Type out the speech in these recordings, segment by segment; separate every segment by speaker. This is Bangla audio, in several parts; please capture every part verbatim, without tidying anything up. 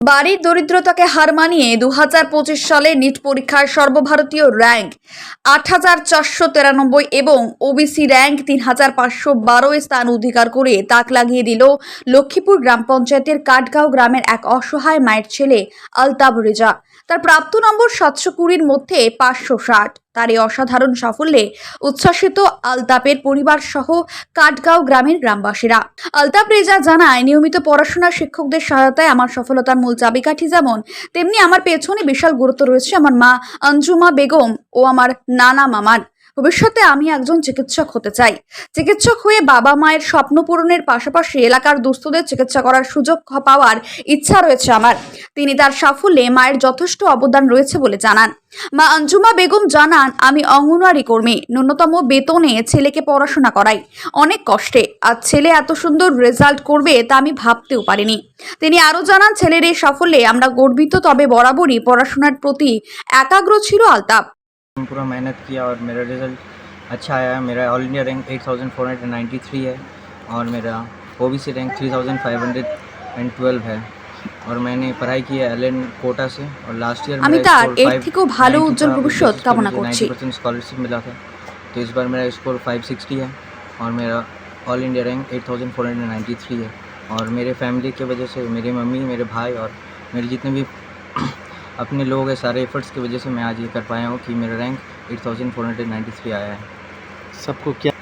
Speaker 1: বাড়ির দরিদ্রতাকে হার মানিয়ে দু হাজার পঁচিশ সালে নিট পরীক্ষার সর্বভারতীয় র্যাঙ্ক আট হাজার চারশো তিরানব্বই এবং ওবিসি র্যাঙ্ক তিন হাজার পাঁচশো বারো স্থান অধিকার করে তাক লাগিয়ে দিল লক্ষ্মীপুর গ্রাম পঞ্চায়েতের কাঠগাঁও গ্রামের এক অসহায় মায়ের ছেলে আলতাব রেজা। তার প্রাপ্ত নম্বর সাতশো কুড়ির মধ্যে পাঁচশো ষাট। তার এই অসাধারণ সাফল্যে উচ্ছ্বাসিত আলতাপের পরিবার সহ কাঠগাঁও গ্রামের গ্রামবাসীরা। আলতাপ রেজা জানায়, নিয়মিত পড়াশোনা শিক্ষকদের সহায়তায় আমার সফলতার মূল চাবিকাঠি যেমন, তেমনি আমার পেছনে বিশাল গুরুত্ব রয়েছে আমার মা আঞ্জুমা বেগম ও আমার নানা মামার। ভবিষ্যতে আমি একজন চিকিৎসক হতে চাই। চিকিৎসক হয়ে বাবা মায়ের স্বপ্ন পূরণের পাশাপাশি এলাকার দুস্থদের চিকিৎসা করার সুযোগ পাওয়ার ইচ্ছা রয়েছে আমার। তিনি তার সাফল্যে মায়ের যথেষ্ট অবদান রয়েছে বলে জানান। মা আঞ্জুমা বেগম জানান, আমি অঙ্গনওয়াড়ি কর্মী, ন্যূনতম বেতনে ছেলেকে পড়াশোনা করাই, অনেক কষ্টে। আর ছেলে এত সুন্দর রেজাল্ট করবে তা আমি ভাবতেও পারিনি। তিনি আরও জানান, ছেলের এই সাফল্যে আমরা গর্বিত, তবে বরাবরই পড়াশোনার প্রতি একাগ্র ছিল আলতাপ।
Speaker 2: पूरा मेहनत किया और मेरा रिज़ल्ट अच्छा आया। मेरा all India rank eight thousand four hundred ninety three है और मेरा OBC rank three thousand five hundred twelve है और मैंने पढ़ाई की है एलएन कोटा से और लास्ट ईयर
Speaker 1: আমি তার এর থেকেও ভালো উজ্জ্বল ভবিষ্যৎ কামনা করছি।
Speaker 2: नाइन्टी परसेंट स्कॉलरशिप मिला था, तो इस बार मेरा स्कोर फाइव सिक्सटी है और मेरा all India rank eight thousand four hundred ninety three है। और मेरे फैमिली की वजह से, मेरी मम्मी, मेरे भाई और मेरे जितने भी अपने लोग हैं, सारे एफर्ट्स की वजह से मैं आज ये कर पाया हूँ कि मेरा rank eight thousand four hundred ninety three आया है।
Speaker 3: सबको क्या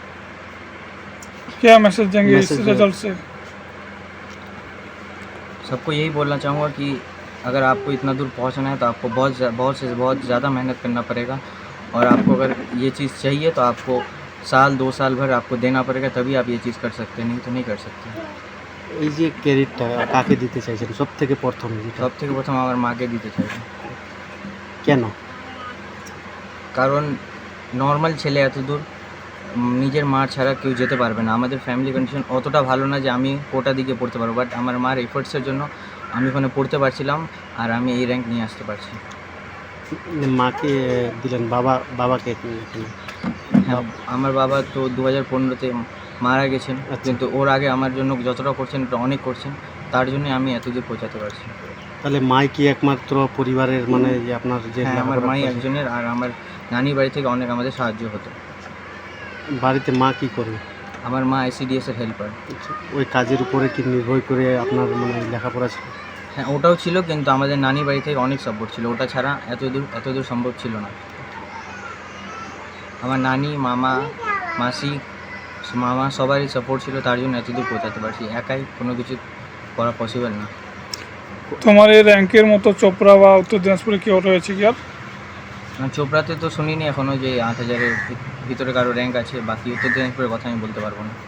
Speaker 4: क्या मैसेज देंगे इस
Speaker 3: मैसेज
Speaker 4: रिजल्ट से?
Speaker 2: सबको यही बोलना चाहूँगा कि अगर आपको इतना दूर पहुँचना है तो आपको बहुत बहुत से बहुत ज़्यादा मेहनत करना पड़ेगा और आपको अगर ये चीज़ चाहिए तो आपको साल दो साल भर आपको देना पड़ेगा, तभी आप ये चीज़ कर सकते हैं, नहीं तो नहीं कर सकते।
Speaker 3: এই যে ক্রেডিটটা কাকে দিতে চাইছেন সব থেকে প্রথম?
Speaker 2: সব থেকে প্রথম আমার মাকে দিতে চাইছি,
Speaker 3: কেন?
Speaker 2: কারণ নর্মাল ছেলে এত দূর নিজের মা ছাড়া কেউ যেতে পারবে না। আমাদের ফ্যামিলি কন্ডিশন অতটা ভালো না যে আমি কোটা দিকে পড়তে পারবো, বাট আমার মার এফোর্টসের জন্য আমি ওখানে পড়তে পারছিলাম আর আমি এই র্যাঙ্ক নিয়ে আসতে পারছি।
Speaker 3: মাকে দিলেন, বাবা বাবাকে
Speaker 2: হ্যাঁ, আমার বাবা তো দু হাজার পনেরোতে মারা গেছেন,
Speaker 3: আচ্ছা।
Speaker 2: কিন্তু ওর আগে আমার জন্য যতটা করছেন ওটা অনেক করছেন, তার জন্য আমি এতদূর পৌঁছাতে পারছি।
Speaker 3: তাহলে মাই কি একমাত্র পরিবারের, মানে যে আপনার যে
Speaker 2: হ্যাঁ, আমার
Speaker 3: লেখাপড়া
Speaker 2: মাই
Speaker 3: করছে?
Speaker 2: একজনের, আর আমার নানি বাড়ি থেকে অনেক আমাদের সাহায্য হতো।
Speaker 3: বাড়িতে মা কি করে?
Speaker 2: আমার মা আইসিডিএস এর হেল্পার।
Speaker 3: ওই কাজের উপরে কি নির্ভর করে আপনার মানে লেখাপড়া ছিল?
Speaker 2: হ্যাঁ, ওটাও ছিল, কিন্তু আমাদের নানি বাড়ি থেকে অনেক সাপোর্ট ছিল, ওটা ছাড়া এত দূর এত দূর সম্ভব ছিল না। আমার নানি, মামা, মাসি, মামা সবারই সাপোর্ট ছিল, তার জন্য এত দূর পৌঁছাতে পারছি। একাই কোনো কিছু করা পসিবল না।
Speaker 4: তোমার এই র্যাঙ্কের মতো চোপড়া বা উত্তর দিনাজপুরে কেউ রয়েছে কি আর?
Speaker 2: না, চোপড়াতে তো শুনিনি এখনও যে আট হাজারের ভিতরে কারো র্যাঙ্ক আছে, বাকি উত্তর দিনাজপুরের কথা আমি বলতে পারবো না।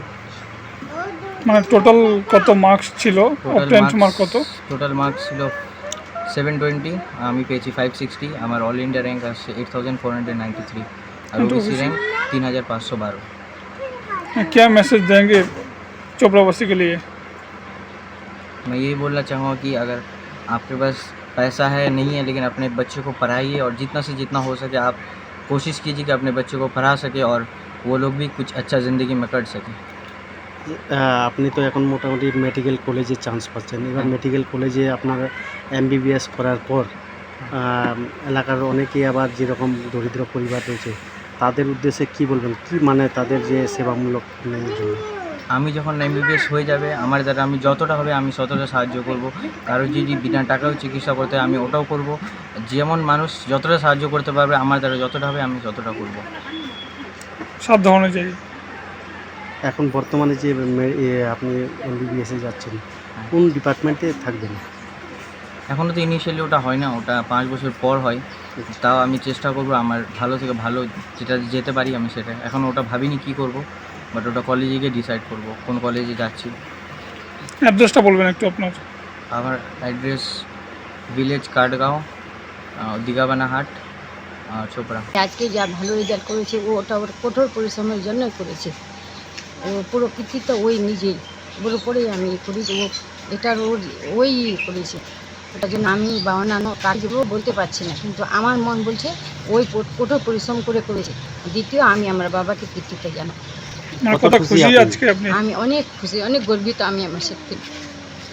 Speaker 4: মানে টোটাল কত মার্কস ছিল? টেন্থ মার্ক কত?
Speaker 2: টোটাল মার্কস ছিল সেভেন টোয়েন্টি, আমি পেয়েছি ফাইভ সিক্সটি। আমার অল इंडिया रैंक আসছে eight thousand four hundred ninety three और ओबीसी रैंक तीन हज़ार पाँच सौ बारह।
Speaker 4: क्या मैसेज देंगे चोपड़ावासी के लिए?
Speaker 2: मैं यही बोलना चाहूँगा कि अगर आपके पास पैसा है नहीं है, लेकिन अपने बच्चे को पढ़ाइए और जितना से जितना हो सके आप कोशिश कीजिए कि अपने बच्चे को पढ़ा सके और वो लोग भी कुछ अच्छा ज़िंदगी में कर सकें।
Speaker 3: আপনি তো এখন মোটামুটি মেডিকেল কলেজে চান্স পাচ্ছেন, এবার মেডিকেল কলেজে আপনার এমবিবিএস করার পর এলাকার অনেকেই আবার যেরকম দরিদ্র পরিবার রয়েছে তাদের উদ্দেশ্যে কি বলবেন? কি মানে তাদের যে সেবামূলক জন্য
Speaker 2: আমি যখন এমবিবিএস হয়ে যাবে আমার দ্বারা আমি যতটা হবে আমি ততটা সাহায্য করব। কারো যদি বিনা টাকাও চিকিৎসা করতে হয় আমি ওটাও করব। যেমন মানুষ যতটা সাহায্য করতে পারবে আমার দ্বারা যতটা হবে আমি ততটা করব।
Speaker 4: সাধ্য অনুযায়ী।
Speaker 3: এখন বর্তমানে যে আপনি এমবিবিএসে যাচ্ছেন কোন ডিপার্টমেন্টে থাকবেন?
Speaker 2: এখনও তো ইনিশিয়ালি ওটা হয় না, ওটা পাঁচ বছর পর হয়। তাও আমি চেষ্টা করব আমার ভালো থেকে ভালো যেটা যেতে পারি আমি সেটা। এখন ওটা ভাবিনি কি করব, বাট ওটা কলেজে গিয়ে ডিসাইড করব কোন কলেজে যাচ্ছি।
Speaker 4: অ্যাড্রেসটা বলবেন একটু আপনার?
Speaker 2: আমার অ্যাড্রেস ভিলেজ কাঠগাঁও, দিঘাবানা হাট, চোপড়া।
Speaker 5: আজকে যা ভালো রেজাল্ট করেছে ও ওটা ওর কঠোর পরিশ্রমের জন্যই করেছে। ও পুরো কৃতিত্ব ওই নিজেই, ওর উপরেই আমি করি, ও এটার ওর ওই করেছে। ওটার জন্য আমি বা অন্যান্য কাজগুলো বলতে পারছি না, কিন্তু আমার মন বলছে ওই কঠোর পরিশ্রম করে করেছে। দ্বিতীয়, আমি আমার বাবাকে কৃতিত্ব জানাই।
Speaker 4: কত খুশি আজকে আপনি?
Speaker 5: আমি অনেক খুশি, অনেক গর্বিত আমি আমার সত্যি।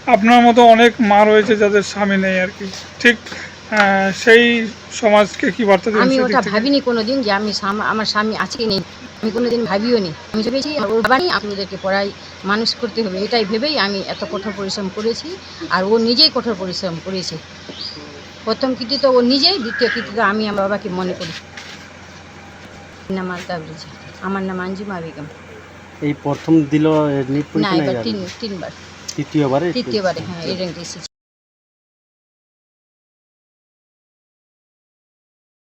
Speaker 4: আপনার মতো অনেক মা রয়েছে যাদের স্বামী নেই আর কি, ঠিক আহ, সেই সমাজকে কি বার্তা দেবেন
Speaker 5: আমি
Speaker 4: সেই দিক
Speaker 5: ওটা
Speaker 4: থেকে?
Speaker 5: ভাবিনি কোনো দিন যে আমি সাম- আমার স্বামী আছে কি নেই, আমি কোনো দিন ভাবিও নি। আমি ভেবেছি ওর বাবা নেই, আমি ওদেরকে পড়াই মানুষ করতে হবে, এটাই ভেবেই আমি এত কঠোর পরিশ্রম করেছি। আর ও নিজেই কঠোর পরিশ্রম করেছে। প্রথম কৃতিত্ব ও নিজেই, দ্বিতীয় কৃতিত্ব আমি আমার বাবাকে মনে করি। নাম আলতা ব্রিজ, আমার নাম আঞ্জুমা বেগম।
Speaker 3: এই প্রথম দিল নিট
Speaker 5: না,
Speaker 3: পরীক্ষা না
Speaker 5: এবার
Speaker 3: এবার?
Speaker 5: তিন তিনবার
Speaker 3: তৃতীয়বারে?
Speaker 5: তৃতীয়বারে হ্যাঁ এই র্যাঙ্কে এসেছি।